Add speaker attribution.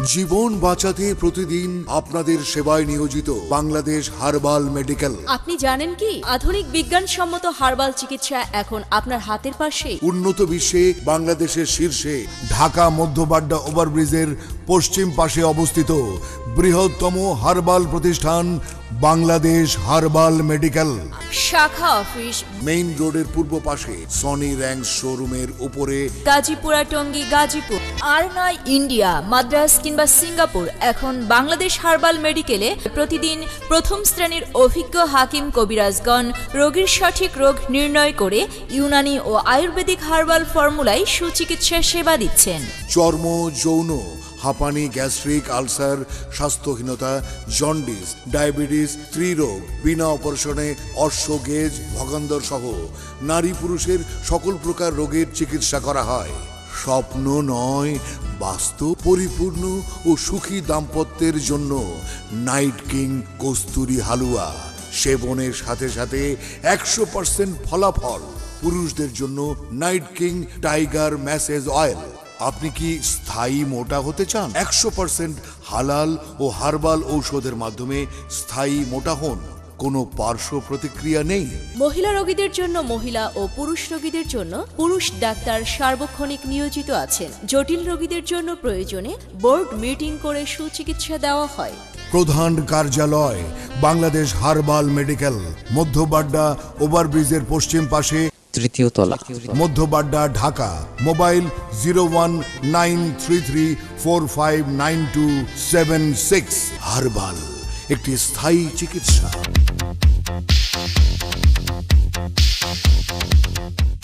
Speaker 1: জীবন বাঁচাতে প্রতিদিন আপনাদের সেবায় নিয়োজিত বাংলাদেশ হার্বাল মেডিকেল।
Speaker 2: আপনি জানেন কি আধুনিক বিজ্ঞানসম্মত হার্বাল চিকিৎসা এখন আপনার হাতের পাশে।
Speaker 1: উন্নত বিশ্বে বাংলাদেশের শীর্ষে ঢাকা মধ্যবাড্ডা ওভারব্রিজের পশ্চিম পাশে অবস্থিত বৃহত্তম হার্বাল প্রতিষ্ঠান বাংলাদেশ হার্বাল মেডিকেল।
Speaker 2: শাখা অফিস
Speaker 1: মেইন রোডের পূর্ব পাশে সনি র্যাঙ্কস শোরুমের উপরে,
Speaker 2: গাজীপুরা টঙ্গী গাজীপুর। আর নয় ইন্ডিয়া, মাদ্রাজ কিংবা সিঙ্গাপুর, এখন বাংলাদেশ হার্বাল মেডিকেলে প্রতিদিন প্রথম শ্রেণীর অভিজ্ঞ হাকিম কবিরাজগণ রোগীর সঠিক রোগ নির্ণয় করে ইউনানি ও আয়ুর্বেদিক হার্বাল ফর্মুলায় সুচিকিৎসা সেবা দিচ্ছেন।
Speaker 1: চর্ম, যৌন, হাঁপানি, গ্যাস্ট্রিক, আলসার, স্বাস্থ্যহীনতা, জন্ডিস, ডায়াবেটিস, স্ত্রীরোগ, বিনা অপারেশনে অশ্বগেজ, ভগান্দর সহ নারী পুরুষের সকল প্রকার রোগের চিকিৎসা করা হয়। স্বপ্ন নয়, বাস্তব পরিপূর্ণ ও সুখী দাম্পত্যের জন্য নাইট কিং কস্তুরি হালুয়া সেবনের সাথে সাথে 100% ফলাফল। পুরুষদের জন্য night king tiger massage oil. আপনি কি স্থায়ী মোটা হতে চান? 100% হালাল ও হার্বাল ঔষধের মাধ্যমে স্থায়ী মোটা হন, কোনো পার্শ্ব প্রতিক্রিয়া নেই।
Speaker 2: মহিলা রোগীদের জন্য মহিলা ও পুরুষ রোগীদের জন্য পুরুষ ডাক্তার সার্বক্ষণিক নিয়োজিত আছেন। জটিল রোগীদের জন্য প্রয়োজনে বোর্ড মিটিং করে সুচিকিৎসা দেওয়া হয়।
Speaker 1: প্রধান কার্যালয় বাংলাদেশ হার্বাল মেডিকেল, মধ্যবাড্ডা ওভারব্রিজের পশ্চিম পাশে,
Speaker 3: তৃতীয় তলা,
Speaker 1: মধ্যবাড্ডা, ঢাকা। মোবাইল 0193345927 হার্বাল, একটি স্থায়ী চিকিৎসা।